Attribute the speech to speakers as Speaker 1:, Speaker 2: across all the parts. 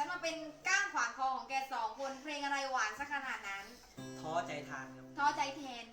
Speaker 1: มาเป็นก้างขวางคอของแกสองคนเพลงอะไรหวานสักขนาดนั้น
Speaker 2: ท้อใจทานครับ
Speaker 1: ท้อใจแทน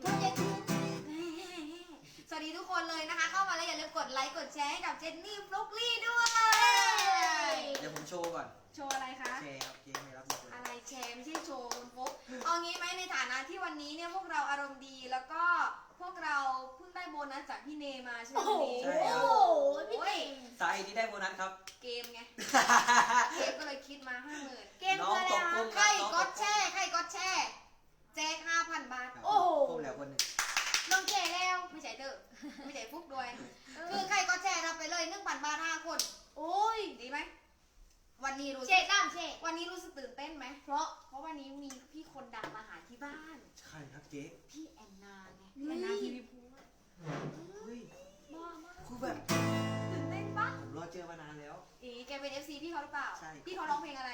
Speaker 1: สวัสดีทุกคนเลยนะคะ เข้ามาแล้วอย่าลืมกดไลค์กดแชร์ให้กับเจนนี่ฟลุ๊กลี่ด้วย
Speaker 2: เดี๋ยวผมโชว์ก่อน
Speaker 1: โชว์อะไรคะ
Speaker 2: แชร์ครับเจ๊ไม่รับหมดเลย
Speaker 1: อะไรแชร์ไม่ใช่โชว์คุณฟุ๊กเอางี้ไหมในฐานะที่วันนี้เนี่ยพวกเราอารมณ์ดีแล้วก็พวกเราเพิ่งได้โบนัสจากพี่เนมาใช่ไหมวันนี้
Speaker 2: ใช่ครับ
Speaker 3: พี่เก่ง
Speaker 2: สาเหตุที่ได้โบนัสครับ
Speaker 1: เกมไง เกมก็เลยคิดมา 50,000
Speaker 3: เกม
Speaker 2: น้อ
Speaker 3: คื
Speaker 2: ง
Speaker 3: ออะไร
Speaker 2: ตกกุ้
Speaker 3: นะ
Speaker 2: ง
Speaker 1: ใครก็แช่ใครก็แช่แจก 5,000 บาท
Speaker 3: โอ้โห
Speaker 2: ผมแล้วคนหนึ่ง
Speaker 1: น้องแก่แล้วไม่ใช่เด้อไม่ใช่ฟุกด้วย คือใครก็แช่รับไปเลย 1,000 บาท 5 คน
Speaker 3: โอ้ย
Speaker 1: ดีไหมวันนี้รู้
Speaker 3: เชดน้ำเชด
Speaker 1: วันนี้รู้สึกตื่นเต้นไหมเพราะวันนี้มีพี่คนดังมาหาที่บ้าน
Speaker 2: ใช่ครับเจ๊
Speaker 1: พี่แอนนาไงพี่แอนนาทีวีพูด
Speaker 2: เฮ้ย
Speaker 1: บ้ามาก
Speaker 2: คือแบบ
Speaker 1: ตื่นเต้นปะ
Speaker 2: ผมรอเจอมานานแล้ว
Speaker 1: แกเป็น FC พี่เขาหรือเปล่า
Speaker 2: ใช่
Speaker 1: พี่เขาร้องเพลงอะไร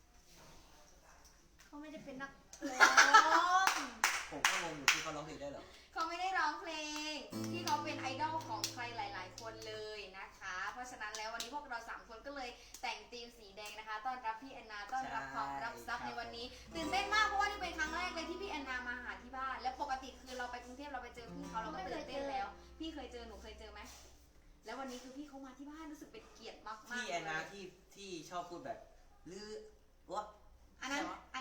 Speaker 3: เขาไม่ได้เป็นนักร้อง
Speaker 2: ผมก็งงอยู่ที่เขาร้องเพลงได้เหรอ
Speaker 1: เขาไม่ได้ร้องเพลงพี่เขาเป็นไอดอลของใครหลาย ๆ คนเลยนะคะ เพราะฉะนั้นแล้ววันนี้พวกเรา3คนก็เลยแต่งธีมสีแดงนะคะต้อนรับพี่แอนนาต้อนรับความรับทรัพย์ในวันนี้ตื่นเต้นมากเพราะว่านี่เป็นครั้งแรกเลยที่พี่แอนนามาหาที่บ้าน และปกติคือเราไปกรุงเทพเราไปเจอพี่เขาเราก็ตื่นเต้นแล้ว พี่เคยเจอหนูเคยเจอไหมแล้ววันนี้คือพี่เขามาที่บ้านรู้สึกเป็นเกียรติมากๆ
Speaker 2: พี่แอนนา
Speaker 1: เลย
Speaker 2: ที่ชอบพูดแบบลือวะ
Speaker 1: อันนั้นอัน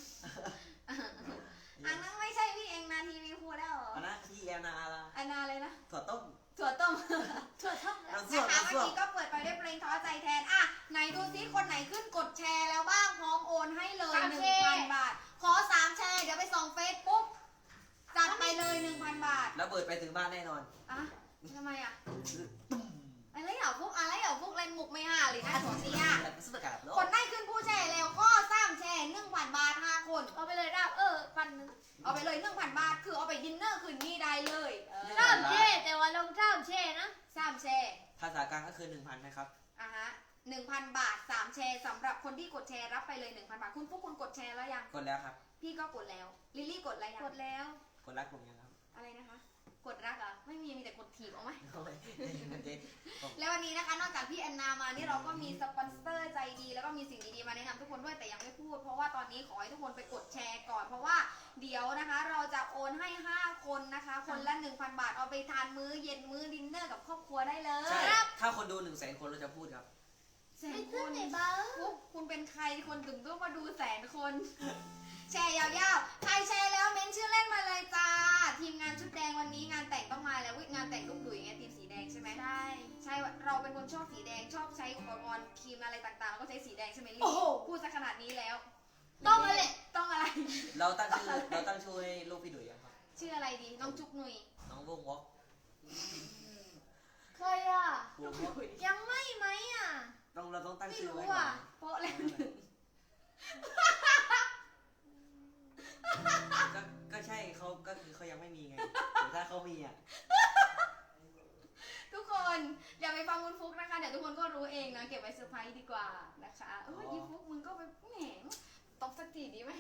Speaker 1: นั้นไม่ใช่พี่เองนาทีวีพูดแล้วเหรอ
Speaker 2: อันนั้นพี่แอนนาอะไร
Speaker 1: อันนาเลยนะ
Speaker 2: ถั่วต้ม
Speaker 1: ถั่วต้ม
Speaker 3: ถั่วต้ม
Speaker 2: น้ำ
Speaker 1: นะ
Speaker 2: ส้ม
Speaker 1: คะ
Speaker 2: น้ำ
Speaker 1: เมื่อ
Speaker 2: ส้ม
Speaker 1: กี้ก็เปิดไปด้วยเพลงท้อใจแทนอ่ะไหนดูซิคนไหนขึ้นกดแชร์แล้วบ้างพร้อมโอนให้เลย 1,000 บาท ขอ3แชร์เดี๋ยวไปส่องเฟซปุ๊บจัดไปเลย 1,000 บาท
Speaker 2: แล้วเบิดไปถึงบ้านแน่นอน
Speaker 1: อ่ะทำไมอ่ะอะไรเหรอพวกเล่นมุกไม่ห่าหรือนะสวนเสีย
Speaker 2: แล้วก็สุดกาบโล
Speaker 1: คนได้ขึ้นผู้แชร์แล้วก็3แชร์ 1,000 บาท 5 คน
Speaker 3: เอาไปเลยราบพันหนึ่ง
Speaker 1: เอาไปเลย 1,000 บาท คือเอาไปดินเนอร์คืนนี้ได้เลย
Speaker 3: น้ำเชดแต่ว่าลงน้ำเชดนะ
Speaker 1: 3แชร์
Speaker 2: ภาษากลางก็คือ 1,000นะครับ
Speaker 1: อ่ะฮะ 1,000 บาท 3 แชร์สำหรับคนที่กดแชร์รับไปเลย 1,000 บาท คุณพวกคุณกดแชร์แล้วยัง
Speaker 2: กดแล้วครับ
Speaker 1: พี่ก็กดแล้ว ลิลลี่กดอะไรยัง
Speaker 3: กดแล้ว
Speaker 2: กดรักผมยังครับ
Speaker 1: อะไรนะคะ กดรักเหรอ่ะ ไม่มีแต่กดถีบเอาไหม
Speaker 2: โอ้ยเจ๊
Speaker 1: แล้ววันนี้นะคะ นอกจากพี่แอนนามานี่เราก็มีสปอนเซอร์ใจดี แล้วก็มีสิ่งดีๆมาแนะนำทุกคนด้วยแต่ยังไม่พูด เพราะว่าตอนนี้ขอให้ทุกคนไปกดแชร์ก่อน เพราะว่าเดี๋ยวนะคะ เราจะโอนให้ 5 คนนะคะ คนละ 1,000 บาท เอาไปทานมื้อเย็นมื้อดินเนอร์กับครอบครัวได้เลย
Speaker 2: ใช่ถ้าคนดู100,000 คนเราจะพูดครับ
Speaker 1: แสน
Speaker 3: ไม่
Speaker 1: ค
Speaker 3: ขึ้น
Speaker 1: น
Speaker 3: ไหนบ้าง
Speaker 1: คุณเป็นใครคนถึงต้องมาดู100,000 คน แชร์ยาวๆ ใครแชร์แล้วเม้นชื่อเล่นมาเลยจ้า ทีมงานชุดแดงวันนี้งานแต่งต้องมาแล้วงานแต่งลูกดุยไงทีมสีแดงใช่ไหม
Speaker 3: ใช่
Speaker 1: ใช่เราเป็นคนชอบสีแดงชอบใช้อุปกรณ์ครีมอะไรต่างๆแล้วก็ใช้สีแดงใช่ไหมลี่
Speaker 3: โอ้โห
Speaker 1: พูดซะขนาดนี้แล้ว
Speaker 3: ต้องอะไร
Speaker 1: ต้องอะไร
Speaker 2: เราตั้งชื่อให้ลูกพี่ดุยยังครับ
Speaker 1: ชื่ออะไรดีน้องจุกหนุย
Speaker 2: น้องวงวอก
Speaker 3: เคยอ่ะ
Speaker 2: วงวอก
Speaker 3: ยังไม่ไหมอ่ะ
Speaker 2: เราต้องตั้ง
Speaker 3: ไม่
Speaker 2: ชื่อ
Speaker 3: รู้
Speaker 2: ไว้ก่อ
Speaker 3: อ่ะ
Speaker 2: น
Speaker 1: โป๊ะแล้วหนึ่ง
Speaker 2: ก็ใช่เขาก็คือเขายังไม่มีไงแต่ถ้าเขามีอ่ะ
Speaker 1: ทุกคนอย่าไปฟังคุณฟุกนะคะเดี๋ยวทุกคนก็รู้เองนะเก็บไว้เซอร์ไพรส์ดีกว่านะคะยี่ฟุกมึงก็ไปแหมตบสักทีดีไหม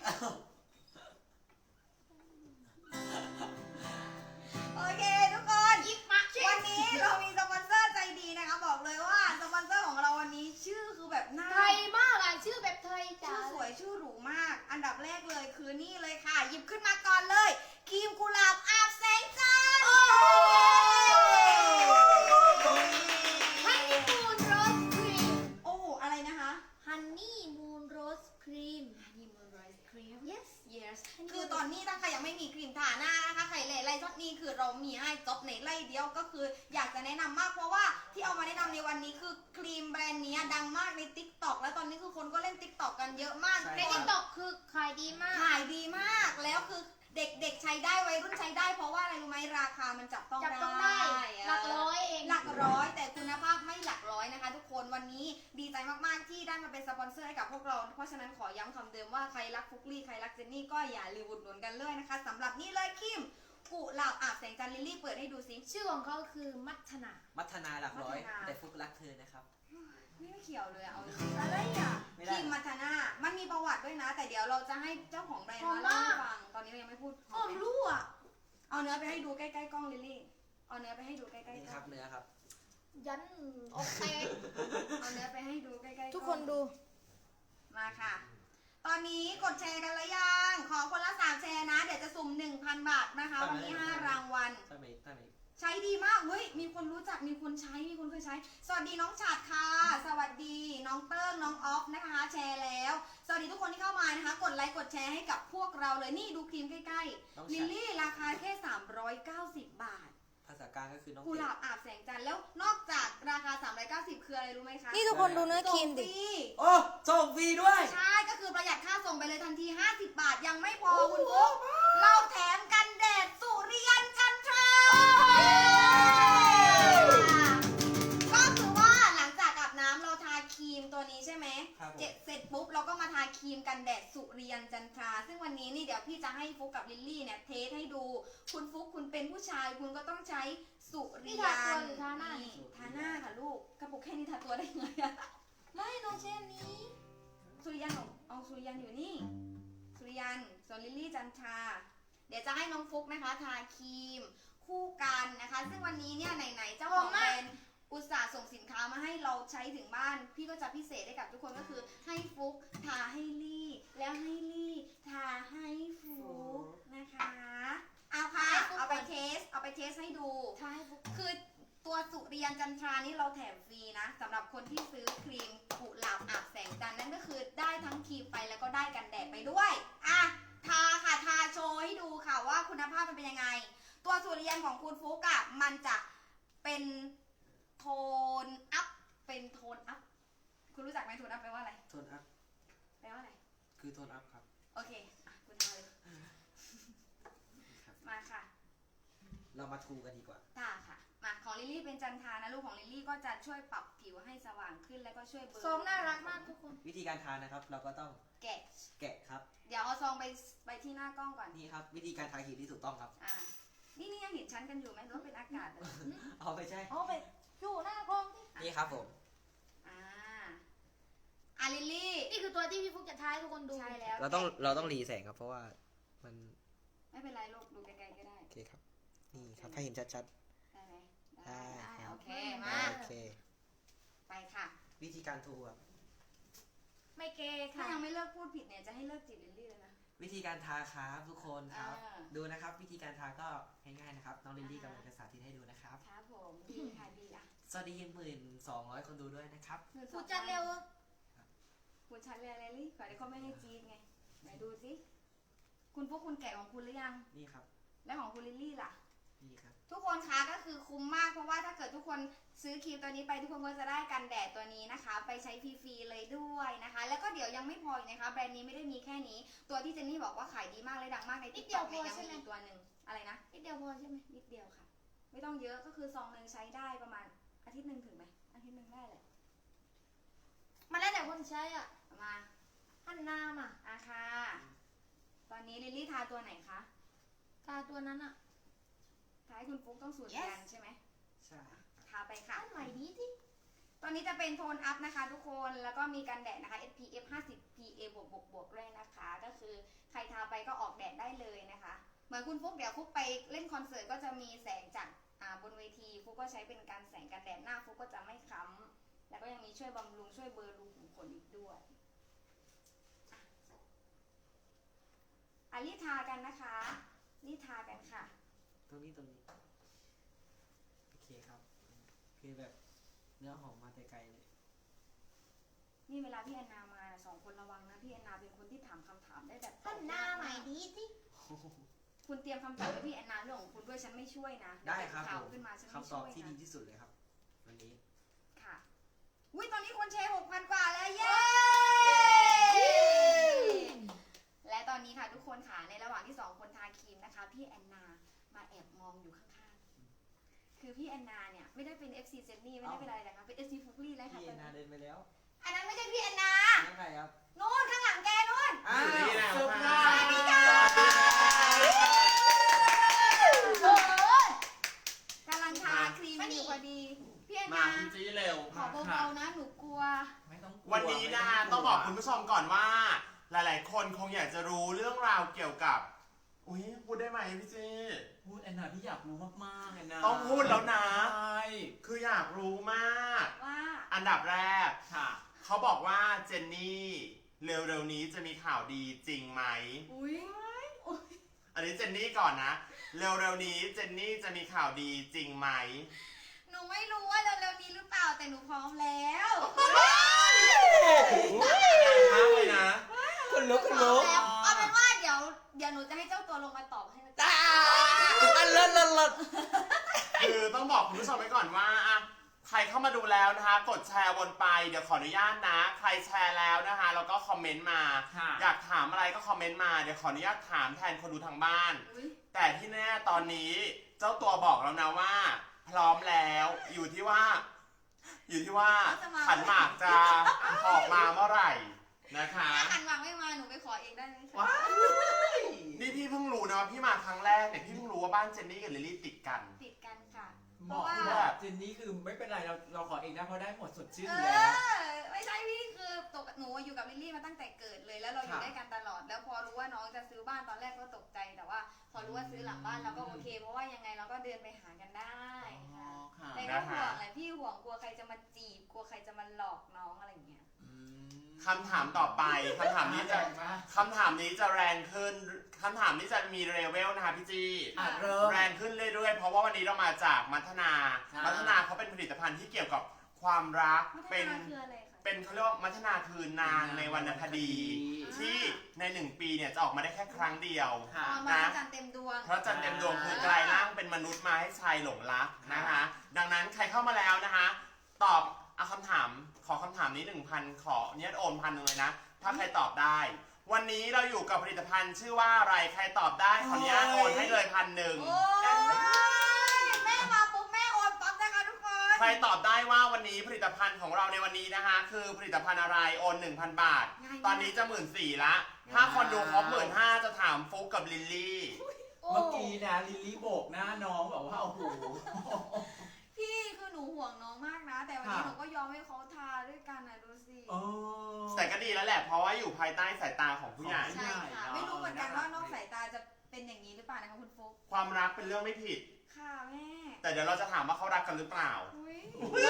Speaker 1: โอเคทุกคนวันนี้เรามีสปอนเซอร์ใจดีนะคะบอกเลยว่าสปอนเซอร์ของเราวันนี้ชื่อคือแบบน่า
Speaker 3: ไทยมากอ่ะชื่อแบบไทยจ๋า
Speaker 1: ชื่อสวยชื่อหรูมาก อันดับแรกเลยคือนี่เลยค่ะ หยิบขึ้นมาก่อนเลยครีมกุหลาบอาบแสงจันทร์
Speaker 3: ฮันนี่มูนโรสครีม
Speaker 1: โอ้อะไรนะคะ
Speaker 3: ฮันนี่มูนโรสครีม
Speaker 1: Honey Moon Rice Cream
Speaker 3: yes
Speaker 1: yes คือตอนนี้ถ้าใครยังไม่มีครีมทาหน้านะคะใครไล่ช็อตนี้คือเรามีให้จบในไล่เดียวก็คืออยากจะแนะนำมากเพราะว่าที่เอามาแนะนำในวันนี้คือครีมแบรนด์นี้ดังมากใน TikTok แล้วตอนนี้คือคนก็เล่น TikTok กันเยอะมาก
Speaker 2: ใช่
Speaker 3: ในทิกตอกคือขายดีมาก
Speaker 1: ขายดีมากแล้วคือเด็กๆใช้ได้วัยรุ่นใช้ได้เพราะว่าอะไรรู้ไหมราคามันจับต้อง
Speaker 3: จับต้องได้หลักร้อยเอง
Speaker 1: หลักร้อยแต่คุณภาพไม่หลักร้อยนะคะ ทุกคนวันนี้ดีใจมากๆที่ได้มาเป็นสปอนเซอร์ให้กับพวกเราเพราะฉะนั้นขอย้ำคำเดิมว่าใครรักฟุกลี่ใครรักเจนนี่ก็อย่าลืมอุดหนุนกันเลยนะคะสำหรับนี่เลยคิมกุหลาบอาบแสงจันทร์ลิลลี่เปิดให้ดูสิ
Speaker 3: ชื่อของเขาคือมัทนา
Speaker 2: มัทนาหลักร้อย
Speaker 1: มัทนา
Speaker 2: แต่ฟุกรักเธอนะครับ
Speaker 1: ไม่เขียวเลยอะเอา
Speaker 3: อะไรอ่ะ
Speaker 2: ไม่
Speaker 1: ค
Speaker 2: ได้
Speaker 1: รีมมัทนามันมีประวัติด้วยนะ แต่เดี๋ยวเราจะให้เจ้าของแบรนด์มาเล่าให้ฟังตอนนี้เรายังไม่พูด
Speaker 3: หอมรู้อ่ะ
Speaker 1: เอาเนื้อไปให้ดูใกล้ๆกล้องลิลลี่เอาเนื้อไปให้ดูใกล้ๆกล้
Speaker 2: นี่
Speaker 1: อง
Speaker 2: ครับเนื้อครับ
Speaker 3: ยันออกแตก
Speaker 1: เอาเนื้อไปให้ดูใกล้ๆ
Speaker 3: ทุกคนดู
Speaker 1: มาค่ะ ตอนนี้กดแชร์กันแล้วยังขอคนละ3แชร์นะเดี๋ยวจะสุ่ม 1,000 บาทนะคะวันนี้5รางวัล
Speaker 2: ถ้าไม่
Speaker 1: ใช้ดีมากเฮ้ยมีคนรู้จักมีคนใช้มีคนเคยใช้สวัสดีน้องฉัดค่ะสวัสดีน้องเติ้งน้องออฟนะคะแชร์แล้วสวัสดีทุกคนที่เข้ามานะคะกดไลค์กดแชร์ให้กับพวกเราเลยนี่ดูครีมใกล้ๆลิลลี่ราคาแค่390 บาท
Speaker 2: ภาษากลางก็คือน้อง
Speaker 1: กุหลาบอาบแสงจันทร์แล้วนอกจากราคา390คืออะไรรู้ไหมคะ
Speaker 3: นี่ทุกคนดูเนื้อครีมดิ
Speaker 1: ส่งฟรี
Speaker 2: โอ้ส่งฟรีด้วย
Speaker 1: ใช่ก็คือประหยัดค่าส่งไปเลยทันที50 บาทยังไม่พอคุณฟุ๊กเราแถมกันแดดสุริยันจันทราก็คือว่าหลังจากอาบน้ำเราทาครีมตัวนี้ใช่ไหม
Speaker 2: ครับผม
Speaker 1: เสร็จปุ๊บเราก็มาทาครีมกันแดดสุริยันจันทราซึ่งวันนี้นี่เดี๋ยวพี่จะให้ฟุ๊กกับลิลลี่เนี่ยเทสให้ดูคุณฟุ๊กคุณเป็นผู้ชายคุณก็ต้องใช้สุริยัน
Speaker 3: นี่ทาตัวหรือทาหน้า
Speaker 1: นี่ทาหน้าค่ะลูกกระปุกแค่นี้ทาตัวได้ไงอะ
Speaker 3: ไม่น้องเช่นนี้
Speaker 1: สุริยันเอาสุริยันอยู่นี่สุริยันส่วนลิลลี่จันทราเดี๋ยวจะให้น้องฟุ๊กนะคะทาครีมคู่กันนะคะ ซึ่งวันนี้เนี่ยไหนๆเจ้าของแบรนด์อุตส่าห์ส่งสินค้ามาให้เราใช้ถึงบ้าน พี่ก็จะพิเศษให้กับทุกคนก็คือให้ฟุ๊กทาให้ลี่แล้วให้ลี่ทาให้ฟุ๊กนะคะเอาค่ะเอาไปเทสให้ดู
Speaker 3: ทาให้ฟุก
Speaker 1: คือตัวสุริยันจันทรานี่เราแถมฟรีนะสำหรับคนที่ซื้อครีมกุหลาบอาบแสงจันทร์นั่นก็คือได้ทั้งครีมไปแล้วก็ได้กันแดดไปด้วยอ่ะทาค่ะทาโชว์ให้ดูค่ะว่าคุณภาพมันเป็นยังไง ตัวสุริยันของคุณฟุกอะมันจะเป็นโทนอัพเป็นโทนอัพคุณรู้จักไหมโทนอัพแปลว่าอะไร
Speaker 2: โทนอัพ
Speaker 1: แปลว่าอะไร
Speaker 2: คือโทนอัพครับ
Speaker 1: โอเคอ่ะคุณทาเลยมาค่ะ
Speaker 2: เรามาทูกันดีกว่า
Speaker 1: ค่ะค่ะมาของลิลลี่เป็นจันทรานะลูกของลิลลี่ก็จะช่วยปรับผิวให้สว่างขึ้นแล้วก็ช่วยเบลอ
Speaker 3: ทรงน่ารักมากทุกคน
Speaker 2: วิธีการทานนะครับ เราก็ต้อง
Speaker 1: แกะ
Speaker 2: แกะครับ
Speaker 1: เดี๋ยวเอาซองไปที่หน้ากล้องก่อน
Speaker 2: นี่ครับ วิธีการทาครีมที่ถูกต้องครับ
Speaker 1: อ่านี่ยังเห็นชั้นกันอยู่ไหมหรือว่าเป็นอากาศเลย
Speaker 2: เอาไปใช่
Speaker 3: เอาไปอยู่หน้ากล้องที่
Speaker 2: นี่ครับผม
Speaker 1: อ่าลิลลี่
Speaker 3: นี่คือตัวที่พี่ฟุกจะทายทุกคนดู
Speaker 1: ใช่แล้ว
Speaker 2: เราต้องรีแสงครับ เพราะว่ามัน
Speaker 1: ไม่เป็นไรลูกดูไกลๆก็ได้
Speaker 2: โอเคครับ นี่ครับให้เห็นชัด
Speaker 1: ได้ไหม
Speaker 2: ได้
Speaker 1: โอเค
Speaker 2: ๆ
Speaker 1: มา
Speaker 2: โอเค
Speaker 1: ไปค่ะ
Speaker 2: วิธีการทูครับ
Speaker 3: ไม่เกย์
Speaker 1: ถ้า
Speaker 3: ค่ะ
Speaker 1: ยังไม่เลิกพูดผิดเนี่ยจะให้เลิกจีบลิลลี่เลยนะ
Speaker 2: วิธีการทาครับทุกคนครับ
Speaker 1: อ่า
Speaker 2: ดูนะครับ วิธีการทาก็ง่ายๆนะครับ น้องลิลลี่กำลังจะสาธิตให้ดูนะครับ
Speaker 1: ครับผมดีค่ะดีอ่ะ
Speaker 2: สวัสดี12,000 คนดูด้วยนะครับ
Speaker 3: ฟุกจัดเร็ว
Speaker 1: คุณชันเรียนลิลลี่ขอเดี๋ยวเขาไม่ให้จีดไงไหนดูสิคุณพวกคุณแกะของคุณหรือยัง
Speaker 2: นี่ครับ
Speaker 1: แล้วของคุณลิลลี่ล่ะ
Speaker 2: นี่ครับ
Speaker 1: ทุกคนคะก็คือคุ้มมากเพราะว่าถ้าเกิดทุกคนซื้อครีมตัวนี้ไปทุกคนก็จะได้กันแดดตัวนี้นะคะ ไปใช้ฟรีๆเลยด้วยนะคะ แล้วก็เดี๋ยวยังไม่พออีกนะคะแบรนด์นี้ไม่ได้มีแค่นี้ ตัวที่เจนนี่บอกว่าขายดีมากเลยดังมากใน TikTok เนี่ยยังมีอีกตัวหนึ่งอะไรนะ
Speaker 3: นิดเดียวพอใช่ไหม
Speaker 1: นิดเดียวค่ะ ไม่ต้องเยอะก็คือซองหนึ่งใช้ได้ประมาณอาทิตย์หนึ่งถึงไหมอาทิตย์หนึ่งได้แหละ
Speaker 3: มันแล้วแต่คนใช้อ่ะ
Speaker 1: มา
Speaker 3: หันหน้ามา
Speaker 1: ค่ะ ตอนนี้ลิลลี่ทาตัวไหนคะ
Speaker 3: ทาตัวนั้นอ่ะ
Speaker 1: ทาให้คุณฟุ๊กต้องสูตร
Speaker 3: Yes
Speaker 1: กันใช่ไหม
Speaker 2: ใช่
Speaker 1: ทาไปค่ะ
Speaker 3: อันใหม่ดีที่
Speaker 1: ตัวนี้จะเป็นโทนอัพนะคะทุกคน แล้วก็มีกันแดดนะคะ SPF 50 PA บวกด้วยนะคะ ก็คือใครทาไปก็ออกแดดได้เลยนะคะ เหมือนคุณฟุ๊กเดี๋ยวฟุ๊กไปเล่นคอนเสิร์ตก็จะมีแสงจากบนเวทีฟุ๊กก็ใช้เป็นการแสงกันแดดหน้าฟุ๊กก็จะไม่ค้ำแล้วก็ยังมีช่วยบำรุงช่วยเบลอรูขุมขนอีกด้วยรีบทากันนะคะรีบทากันค่ะ
Speaker 2: ตรงนี้ โอเคครับ คือแบบเนื้อหอมมาแต่ไกลเลย
Speaker 1: นี่เวลาพี่แอนนามา2 คนระวังนะพี่แอนนาเป็นคนที่ถามคำถามได้แบบ
Speaker 3: หันหน้าใหม่ดีที่
Speaker 1: คุณเตรียมคำตอบไว้พี่แอนนาเรื่องของคุณด้วยฉันไม่ช่วยนะ
Speaker 2: ได้ครับ
Speaker 1: ข่าว
Speaker 2: ผม
Speaker 1: ขึ้นมาฉันไม่
Speaker 2: คำต
Speaker 1: ช่
Speaker 2: อบ
Speaker 1: วย
Speaker 2: ที่ดี
Speaker 1: นะ
Speaker 2: ที่สุดเลยครับ วันนี้
Speaker 1: ค่ะอุ้ยตอนนี้คนแชร์ 6,000 กว่าแล้วเย้ และตอนนี้ค่ะทุกคนค่ะในระหว่างที่2 คนทาครีมนะคะพี่แอนนามาแอบมองอยู่ข้างๆคือพี่แอนนาเนี่ยไม่ได้เป็น FC เจนนี่ไม่ได้เป็นอะไรนะคะเป็น FC ฟุกลี่เลยค่ะ
Speaker 2: พี่แอนนาเดินไปแล้ว
Speaker 1: อันนั้นไม่ใช่พี่แอนนา
Speaker 2: นั่นใครครับ
Speaker 1: นู่นข้างหลังแกนู่น
Speaker 2: อ้าว
Speaker 4: นี่แหละ
Speaker 2: เซอร์ไพร
Speaker 4: สวัสดี
Speaker 2: ส์
Speaker 4: ค่ะ
Speaker 1: กำลังทาครีมอยู่พอดีพี่แอน
Speaker 4: มา
Speaker 1: นา
Speaker 4: คุณจี้เร็ว
Speaker 1: ขอเบาๆนะหนูกลัว
Speaker 2: ไม่ต้องกลั
Speaker 4: วันนี้นะคะต้องบอกคุณผู้ชมก่อนว่า หลายๆ คนคงอยากจะรู้เรื่องราวเกี่ยวกับ อุ้ยพูดได้ไหมพี่จี้
Speaker 5: พูดแอนนาพี่อยากรู้มากๆแอนนา
Speaker 4: ต้องพูดแล้วนะ
Speaker 5: ใช่
Speaker 4: คืออยากรู้มาก
Speaker 1: ว่า
Speaker 4: อันดับแรก
Speaker 5: ค่ะ
Speaker 4: เขาบอกว่าเจนนี่เร็วๆนี้จะมีข่าวดีจริงไหม
Speaker 1: อุ้ย
Speaker 4: อันนี้เจนนี่ก่อนนะ เร็วๆนี้เจนนี่จะมีข่าวดีจริงไหม
Speaker 1: หนูไม่รู้ว่าเร็วๆนี้หรือเปล่าแต่หนูพร้อมแล้ว
Speaker 5: มากเลยนะ
Speaker 3: คนลุก
Speaker 1: พร้อมแล้วเอาเป็นว่าเดี๋ยวหนูจะให้เจ้าตัวลงมาตอบให้นะจ๊ะ
Speaker 3: เลิศ
Speaker 4: คือต้องบอกคุณผู้ชมไว้ก่อนว่าอะใครเข้ามาดูแล้วนะคะ กดแชร์วนไปเดี๋ยวขออนุญาตนะ ใครแชร์แล้วนะคะแล้วก็คอมเมนต์มา
Speaker 5: ค่ะ
Speaker 4: อยากถามอะไรก็คอมเมนต์มาเดี๋ยวขออนุญาตถามแทนคนดูทางบ้าน
Speaker 1: อุ๊ย
Speaker 4: แต่ที่แน่ตอนนี้เจ้าตัวบอกแล้วนะว่า พร้อมแล้วอยู่ที่ว่าขันหมากจะออกมาเมื่อไหร่นะคะ
Speaker 1: ถ้าหันหวังไม่มาหนูไปขอเองได้ไหมคะ
Speaker 5: ว้าย
Speaker 4: นี่พี่เพิ่งรู้นะว่าพี่มาครั้งแรกเนี่ยพี่เพิ่งรู้ว่าบ้านเจนนี่กับลิลลี่ติดกัน
Speaker 1: ติดกันค่ะ
Speaker 5: เหมาะที่แบบเจนนี่คือไม่เป็นไรเราขอเองนะเพราะได้หมดสดชื่น
Speaker 1: เอ
Speaker 5: อยู่แล้ว
Speaker 1: อไม่ใช่พี่คือตกหนูอยู่กับลิลลี่มาตั้งแต่เกิดเลยแล้วเราอยู่
Speaker 5: ค่ะ
Speaker 1: ด้วยกันตลอด แล้วพอรู้ว่าน้องจะซื้อบ้านตอนแรกก็ตกใจแต่ว่า พอรู้ว่าซื้อหลังบ้านเราก็โอเค เพราะว่ายังไงเราก็เดินไปหากันได้ค่ะ
Speaker 5: ค่ะ
Speaker 1: แต่ก็ห่วงแหละพี่ห่วงกลัวใครจะมาจีบกลัวใครจะมาหลอกน้องอะไรอย่างเงี้ย
Speaker 4: คำถามต่อไปคำถามนี้จะ
Speaker 5: มาก
Speaker 4: คำถามนี้จะแรงขึ้นคำถามนี้จะมีเลเวลนะคะพี่จี
Speaker 5: อ่ะเริ่ม
Speaker 4: แรงขึ้นเรื่อยๆ เพราะว่าวันนี้เรามาจากมัทนา
Speaker 5: ใช่
Speaker 4: มัทนาเขาเป็นผลิตภัณฑ์ที่เกี่ยวกับความรัก
Speaker 1: มัท
Speaker 4: เป็น
Speaker 1: นาคืออะไรคะ
Speaker 4: เป็นเขาเรียกว่ามัทนาคือนางในวรรณคดี ที่ใน1 ปีเนี่ยจะออกมาได้แค่ครั้งเดียว
Speaker 5: ค่ะ
Speaker 1: อ๋อมาจันทร์เต็มดวง
Speaker 4: เพราะจันทร์เต็มดวงคือกลายร่างเป็นมนุษย์มาให้ชายหลงรักนะคะ ดังนั้นใครเข้ามาแล้วนะคะ ตอบเอาคำถามขอคำถามนี้ 1,000 ขอเนี่ยโอน1,000เลยนะ ถ้าใครตอบได้ วันนี้เราอยู่กับผลิตภัณฑ์ชื่อว่าอะไรใครตอบได้ขออนุญาตโอนให้เลย1,000
Speaker 1: โอ้ยแม่มาปุ๊บแม่โอนปั๊บนะคะทุกคน
Speaker 4: ใครตอบได้ว่าวันนี้ผลิตภัณฑ์ของเราในวันนี้นะคะ คือผลิตภัณฑ์อะไรโอน 1,000 บาท ตอนนี้จะ14,000ละถ้าคนดูครบ15,000จะถามฟุกกับลิลลี่
Speaker 1: โอ้
Speaker 5: เมื่อกี้นะลิลลี่โบกหน้าน้องแบบว่าโอ้โห
Speaker 1: พี่คือหนูห่วงน้องมากนะ แต่วันนี้
Speaker 5: ค่ะ
Speaker 1: หนูก็ยอมให้เขาทาด้วยกันนะดูสิ
Speaker 5: โอ้
Speaker 4: แต่ก็ดีแล้วแหละเพราะว่าอยู่ภายใต้สายตาของผู้ใหญ่
Speaker 1: ใช่ค่ะ
Speaker 5: เนอะ
Speaker 1: ไม่รู้เหมือนกันว่านอกสายตาจะเป็นอย่างนี้หรือเปล่านะคะคุณฟุ๊ก
Speaker 4: ความรักเป็นเรื่องไม่ผิด
Speaker 1: ค่ะแม่
Speaker 4: แต่เดี๋ยวเราจะถามว่าเขารักกันหรือเปล่า
Speaker 1: อุ้ย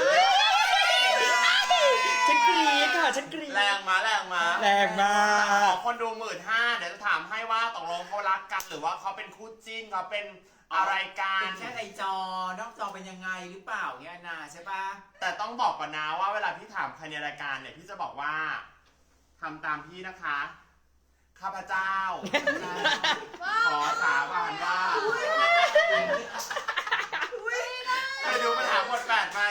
Speaker 3: ฉันกรี๊ดค่ะฉันกรี๊ด
Speaker 4: แรงมาแรงมา
Speaker 3: แรงมาก
Speaker 4: ขอคนดู15,000เดี๋ยวจะถามให้ว่าตกลงเขารักกันหรือว่าเขาเป็นคู่จิ้นเขาเป็นอะไรกั
Speaker 5: เป็น นแค่ในจอนอกจอเป็นยังไงหรือเปล่าเนี่ยนาใช่ปะ
Speaker 4: แต่ต้องบอกก่อนนะว่าเวลาพี่ถามใครในรายการเนี่ยพี่จะบอกว่าทำตามพี่นะคะข้าพเจ้า ขอสาบานว่าเคยดูปัญหาบท8ไหม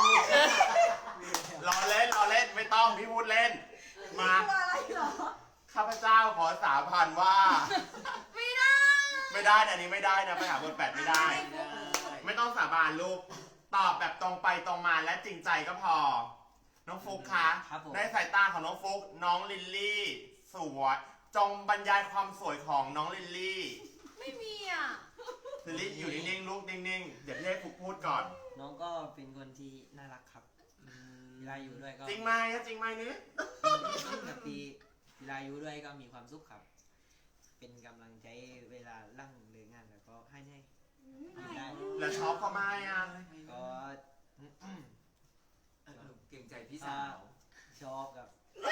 Speaker 4: รอเล่นไม่ต้องพี่พูดเล่นมา
Speaker 1: ตัวอะไรเหรอ
Speaker 4: ข้าพเจ้าขอสาบานว่า
Speaker 1: ไม่ได้
Speaker 4: ไม่ได้นะอันนี้ไม่ได้นะปัญหาบท8ไม่ได้ ไม่ต้องสาบานลูกตอบแบบตรงไปตรงมาและจริงใจก็พอ น้องฟุกคะ
Speaker 2: ครับผม
Speaker 4: ในสายตาของน้องฟุกน้องลิลลี่สวยจงบรรยายความสวยของน้องลิลลี่
Speaker 1: ไม่มีอ่ะ
Speaker 4: ลิลลี่อยู่นิ่งๆลูกนิ่งๆเดี๋ยวพี่ให้ฟุกพูดก่อน
Speaker 2: น้องก็เป็นคนที่น่ารักครับเวลาอยู่ด้วยก็
Speaker 4: จริงไหมจริงไหมนี่
Speaker 2: แบบปีเวลาอยู่ด้วยก็มีความสุขครับ เป็นกำลังใจเวลาลั่งเลิกงานแล้วก็ให้ได้ได้
Speaker 4: แล้วชอบเขาไหมอ่ะ
Speaker 2: ก็
Speaker 5: เก่งใจพี่สาว
Speaker 2: ชอบกับ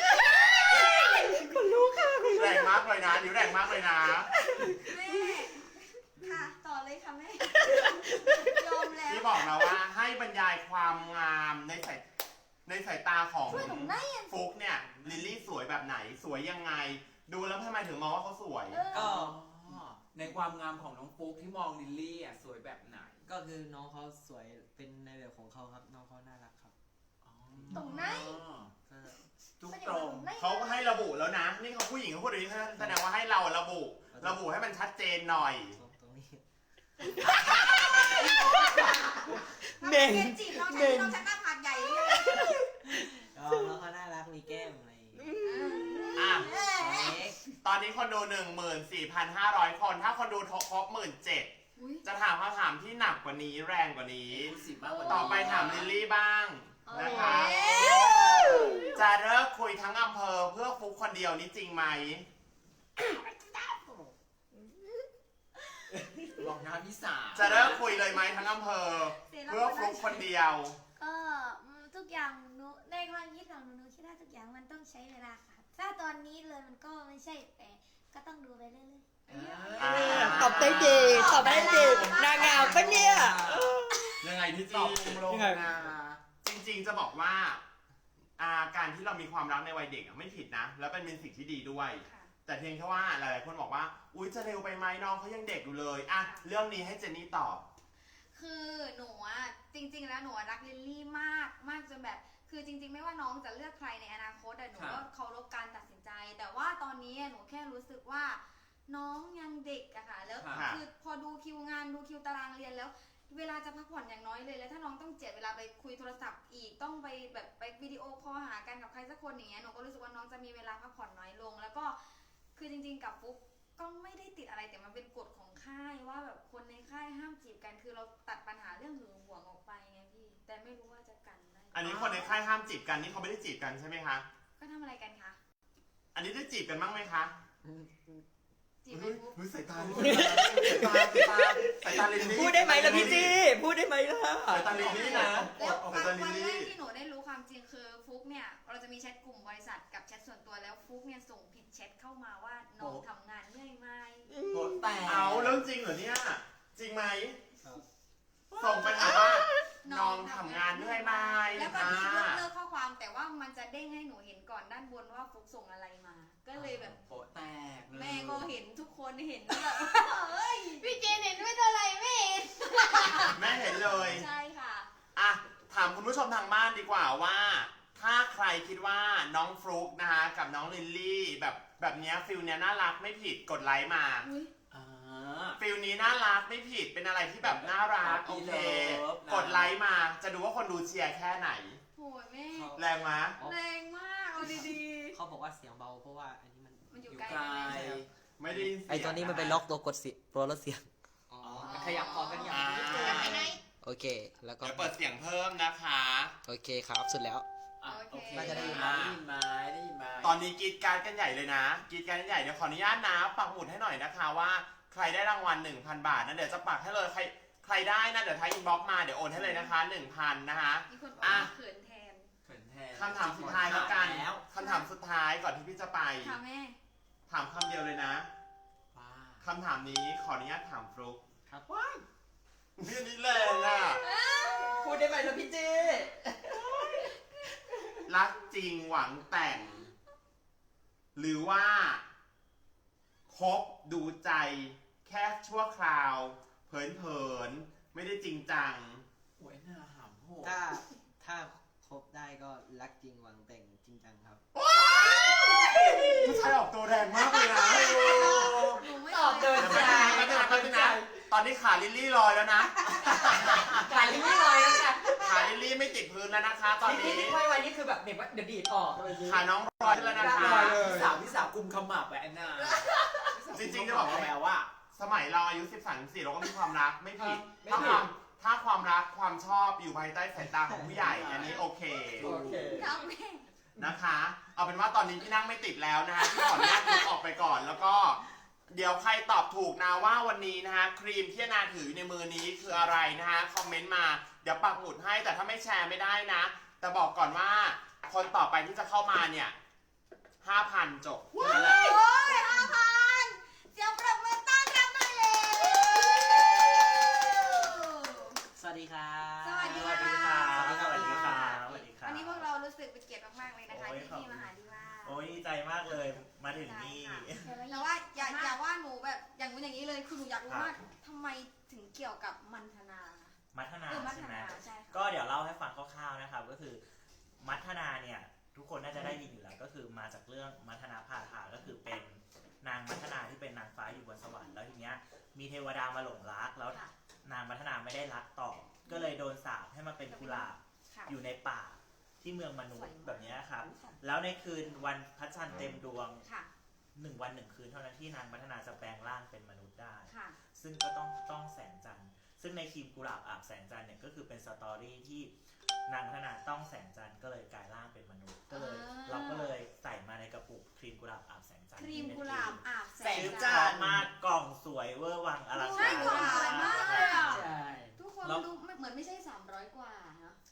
Speaker 4: แรงมากเลยนะนิ้วแรงมากเลยนะ
Speaker 1: แม่ค่ะต่อเลยค่ะแม่ยอมแล้ว
Speaker 4: พี่บอกนะว่าให้บรรยายความงามในสายตาของ
Speaker 1: ช่วยหนูได้ยัง
Speaker 4: ฟุกเนี่ยลิลลี่สวยแบบไหนสวยยังไง ดูแล้วทำไมถึงมองว่าเขาสวย
Speaker 2: ก็
Speaker 5: ในความงามของน้องฟุ๊กที่มองลิลลี่อ่ะสวยแบบไหน
Speaker 2: ก็คือน้องเขาสวยเป็นในแบบของเขาครับ น้องเขาน่ารักครับ
Speaker 1: ตรงไหน
Speaker 2: ก็
Speaker 5: ทุกตรง
Speaker 4: เขาให้ระบุแล้วนะ นี่เขาผู้หญิงเขาพูดอย่างนี้แสดงว่าให้เราระบุให้มันชัดเจนหน่อย
Speaker 2: ตรงนี้
Speaker 3: เน่ง
Speaker 1: เกจีบน้องชายน้องชายหน้าผากใหญ่เลย
Speaker 2: ก็น้องเขาน่ารักมีแก้มอะไรอย่างเงี้ย
Speaker 4: อ่ะ
Speaker 1: เอ้ย
Speaker 2: เอ๊ะ
Speaker 4: ตอนนี้คนดู 14,500 คน ถ้าคนดูครบ 17,000
Speaker 1: อุ๊ย
Speaker 4: จะถามคำถามที่หนักกว่านี้แรงกว่านี้
Speaker 5: พูดสิมากกว่า
Speaker 4: ต่อไปถามลิลลี่บ้างนะคะ
Speaker 1: เอ้ย
Speaker 4: จะเลิกคุยทั้งอำเภอเพื่อฟุกคนเดียวนี่จริงไหม
Speaker 5: บอกนะพี่สาว
Speaker 4: จะเลิกคุยเลยไหมทั้งอำเภอ เพื่อฟุกคนเดียว
Speaker 6: ก็ทุกอย่างหนูในความคิดของหนูคิดว่าทุกอย่างมันต้องใช้เวลาค่ะ ส
Speaker 3: ถ้าตอนนี้เลยมันก็ไม่ใช่แต่ก็ต้องดูไปเรื่อย
Speaker 2: ตอบได้ดีตอบได้ดีนางงามปะเนี่ย
Speaker 4: ยังไงพี่
Speaker 5: ต
Speaker 4: จี
Speaker 5: อบลง
Speaker 2: ยังไง
Speaker 5: นะ
Speaker 4: จริงๆจะบอกว่าการที่เรามีความรักในวัยเด็กไม่ผิดนะ แล้วเป็นสิ่งที่ดีด้วย
Speaker 1: ค่ะ
Speaker 4: แต่เพียงแค่ว่าหลายๆคนบอกว่าอุ๊ยจะเร็วไปไหมน้องเขายังเด็กอยู่เลยอ่ะเรื่องนี้ให้เจนนี่ตอบ
Speaker 1: คือหนูอะจริง ๆ แล้วหนูอะรักลิลลี่มากมากจนแบบ คือจริง ๆ ไม่ว่าน้องจะเลือกใครในอนาคตแต่หนูก็เคารพการตัดสินใจ แต่ว่าตอนนี้หนูแค่รู้สึกว่าน้องยังเด็กอะค่ะแล้ว
Speaker 4: ค่ะ
Speaker 1: คือพอดูคิวงานดูคิวตารางเรียนแล้ว เวลาจะพักผ่อนอย่างน้อยเลยแล้วถ้าน้องต้องเจียดเวลาไปคุยโทรศัพท์อีกต้องไปแบบไปวิดีโอคอลหากันกับใครสักคนอย่างเงี้ยหนูก็รู้สึกว่าน้องจะมีเวลาพักผ่อนน้อยลง แล้วก็คือจริง ๆ กับฟุ๊กก็ไม่ได้ติดอะไรแต่มันเป็นกฎของค่ายว่าแบบคนในค่ายห้ามจีบกันคือเราตัดปัญหาเรื่องหึงหวงออกไปไงพี่แต่ไม่รู้ว่าจะกันได้
Speaker 4: อันนี้คนในค่ายห้ามจีบกันนี่เขาไม่ได้จีบกันใช่ไหมคะ
Speaker 1: ก็ทำอะไรกันคะ
Speaker 4: อันนี้ได้จีบกันบ้างไหมคะ
Speaker 1: จีบไหมฟุ๊ก
Speaker 4: สายตาสายตาลินนี่
Speaker 2: พูดได้ไหมล่ะพี่จีพูดได้ไหมล่ะ
Speaker 4: สายตาลินนี่นะ
Speaker 1: แล้ว
Speaker 4: สายตาลิ
Speaker 1: วัน น
Speaker 4: นี่
Speaker 1: แรกที่หนูได้รู้ความจริงคือฟุ๊กเนี่ยเราจะมีแชทกลุ่มบริษัทกับแชทส่วนตัวแล้วฟุ๊กเนี่ยส่งผิดแชทเข้ามาว่าน้องทำงานเหนื่อยไหม
Speaker 5: โหแต่
Speaker 4: เอาเรื่องจริงเหรอเนี่ยจริงไหมส่งไปถามว่าน้องทำงานเหนื่อยไหม
Speaker 1: แล้วก็มียกเลิกข้อความแต่ว่ามันจะเด้งให้หนูเห็นก่อนด้านบนว่าฟุ๊กส่งอะไรมา ก็เลยแบบ
Speaker 5: โหแตกเลย
Speaker 1: แม่ก็เห็นทุกคนเห็นแบบเฮ้ย
Speaker 3: ๆพี่เจนเห็นไม่เท่าไหร่ไม่เห็น
Speaker 4: แม่เห็นเลย
Speaker 1: ใช่ค่ะ
Speaker 4: อ่ะถามคุณผู้ชมทางบ้านดีกว่าว่า ถ้าใครคิดว่าน้องฟลุ๊กนะคะกับน้องลิลลี่แบบเนี้ยฟิลเนี้ยน่ารักไม่ผิดกดไลค์มา
Speaker 1: อุ้ย
Speaker 5: อ่า
Speaker 4: ฟิลนี้น่ารักไม่ผิดเป็นอะไรที่แบบน่ารักโอเค กดไลค์มาจะดูว่าคนดูเชียร์แค่ไหน
Speaker 1: โหยแม่
Speaker 4: แรงมะ
Speaker 1: แรงมากเอาดี
Speaker 2: เขาบอกว่าเสียงเบาเพราะว่าอันนี้มัน
Speaker 1: ๆมันอยู่
Speaker 5: อยู่
Speaker 1: ไกล
Speaker 5: ไกล
Speaker 1: แม่
Speaker 4: ไม่ได้ยินเสียง
Speaker 6: ไอตัวนี้มันไปล็อกตัวกดเสียงตัวลดเสียง
Speaker 2: อ๋อขยับคอกันอย่างนี้
Speaker 4: อ่า
Speaker 3: ไปไหน
Speaker 6: โอเค แล้วก็
Speaker 4: เดี๋ยวเปิดเสียงเพิ่มนะคะ
Speaker 6: โอเคครับสุดแล้ว
Speaker 5: อ่ะโอเค
Speaker 2: น่าจะได้ยิน
Speaker 5: ได้ยินไหมได้ยินไหม
Speaker 4: ตอนนี้กรีดการดกันใหญ่เลยนะกรีดการดกันใหญ่เดี๋ยวขออนุญาตนะปักหมุดให้หน่อยนะคะว่าใครได้รางวัล 1,000 บาทนะเดี๋ยวจะปักให้เลยใครได้นะเดี๋ยวท้ายอินบ็อกซ์มาเดี๋ยวโอนให้เลยนะคะ 1,000 นะคะ
Speaker 1: มีคนบอกว่าเขินแทน
Speaker 5: เขินแทน
Speaker 4: คำถามสุดท้ายแล้วกัน
Speaker 5: แล้ว
Speaker 4: คำถามสุดท้ายก่อนที่พี่จะไป
Speaker 1: ค่ะแม่
Speaker 4: ถามคำเดียวเลยนะ
Speaker 5: ว้า
Speaker 4: คำถามนี้ขออนุญาตถามฟลุ๊ก
Speaker 2: ครับว้าย
Speaker 4: พี่อันนี้แรงอ่ะ
Speaker 2: พูดได้ไหมล่ะพี่จี
Speaker 4: รักจริงหวังแต่ง หรือว่าคบดูใจแค่ชั่วคราว เผินๆ ไม่ได้จริงจัง
Speaker 5: หวยหน้าหำโหด
Speaker 2: ถ้าครบได้ก็รักจริงหวังแต่งจริงจังครับ
Speaker 4: ผู้ชายออกตัวแรงมากเลยนะ
Speaker 1: หนูไม่
Speaker 2: ตอบเดิน
Speaker 4: เดี๋ยวไปนะตอนนี้ขาลิลลี่ลอยแล้วนะ
Speaker 2: ขายลิ้นไม่ลอยแล้วค่ะ
Speaker 4: ขาลิลลี่ไม่ติดพื้นแล้วนะคะ ตอนนี้
Speaker 2: นี่ไม่ไว้นี่คือแบบเดี๋ยวดีดออก
Speaker 4: ขาน้องลอยแล้วนะคะ
Speaker 5: พี่สาวกุมขมับแหวนน่ะ
Speaker 4: จริงๆจะบอกว่า
Speaker 5: แล้วว่า
Speaker 4: สมัยเราอายุ 13-14เราก็มีความรักไม่ผิด
Speaker 2: ไม่
Speaker 4: ถ้า
Speaker 2: ผิ
Speaker 4: ควา
Speaker 2: ด
Speaker 4: มถ้าความรักความชอบอยู่ภายใต้สายตาของผู้ใหญ่ อันนี้โอเค
Speaker 2: โอเค
Speaker 1: ครับแม่
Speaker 4: นะคะ เอาเป็นว่าตอนนี้พี่นั่งไม่ติดแล้วนะฮะพี่ขออนุญาตลุกออกไปก่อน แล้วก็เดี๋ยวใครตอบถูกนะว่าวันนี้นะฮะครีมที่นาถืออยู่ในมือนี้คืออะไรนะฮะคอมเมนต์มาเดี๋ยวปักหมุดให้แต่ถ้าไม่แชร์ไม่ได้นะ แต่บอกก่อนว่าคนต่อไปที่จะเข้ามาเนี่ย 5,000 จบนั่นแหละ
Speaker 1: โอ้ย5,000เสียงปรบมือต้อนรับหน่อยเลย
Speaker 6: สวัสดีครับ
Speaker 1: สวัสดีค่ะ
Speaker 6: สวัสดีครับ
Speaker 7: สวัสดีครับ
Speaker 1: วันนี้พวกเรารู้สึกเป็นเกียรติมากๆเลยนะคะ
Speaker 7: โอ้ย
Speaker 1: ที่
Speaker 7: ขอบ
Speaker 1: พี่
Speaker 7: คุณ
Speaker 1: มาหาดีว่า
Speaker 7: โอ้ยดีใจมากเลยมาถึงนี่
Speaker 1: แต่ว่าอย่าว่าหนูแบบอย่างนู้นอย่างนี้เลยคือหนูอยากรู้ว่าทำไมถึงเกี่ยวกับมันธนา
Speaker 7: มัทนา
Speaker 1: มัท
Speaker 7: ใช่ไหม
Speaker 1: นาใช่ค่ะ
Speaker 7: ก็เดี๋ยวเล่าให้ฟังคร่าวๆนะครับ ก็คือมัทนาเนี่ยทุกคนน่าจะได้ยินอยู่แล้วก็คือมาจากเรื่องมัทนาพาทาก็คือเป็นนางมัทนาที่เป็นนางฟ้าอยู่บนสวรรค์แล้วทีเนี้ยมีเทวดามาหลงรักแล้ว
Speaker 1: ค่ะ
Speaker 7: นางมัทนาไม่ได้รักต่อ ก็เลยโดนสาปให้มาเป็นกุหลาบ
Speaker 1: ค่ะ
Speaker 7: อยู่ในป่าที่เมืองมนุษย์
Speaker 1: สวยมาก
Speaker 7: แบบเนี้ยครับแล้วในคืนวันพระจันทร์เต็มดวง
Speaker 1: ค่ะ
Speaker 7: 1 วัน 1 คืนเท่านั้นที่นางมัทนาจะแปลงร่างเป็นมนุษย์ได้
Speaker 1: ค่ะ
Speaker 7: ซึ่งก็ต้องแสงจันทร์ ซึ่งในครีมกุหลาบอาบแสงจันทร์เนี่ยก็คือเป็นสตอรี่ที่นางพัฒนาต้องแสงจันทร์ก็เลยกลายร่างเป็นมนุษย์ ก็เลย เราก็เลยใส่มาในกระปุกครีมกุหลาบอาบแสงจันทร์
Speaker 1: ครีมกุหลาบอาบแส
Speaker 7: ชื่
Speaker 1: ง
Speaker 7: อ
Speaker 1: จั
Speaker 7: จาน
Speaker 1: ทร์
Speaker 7: มากกล่องสวยเวอร์วังอลัง
Speaker 1: ใช่
Speaker 7: การ
Speaker 1: กล่องสวยมากเลยอะ
Speaker 2: ใช่
Speaker 1: ทุกคนดูเหมือนไม่ใช่300 กว่าเนาะ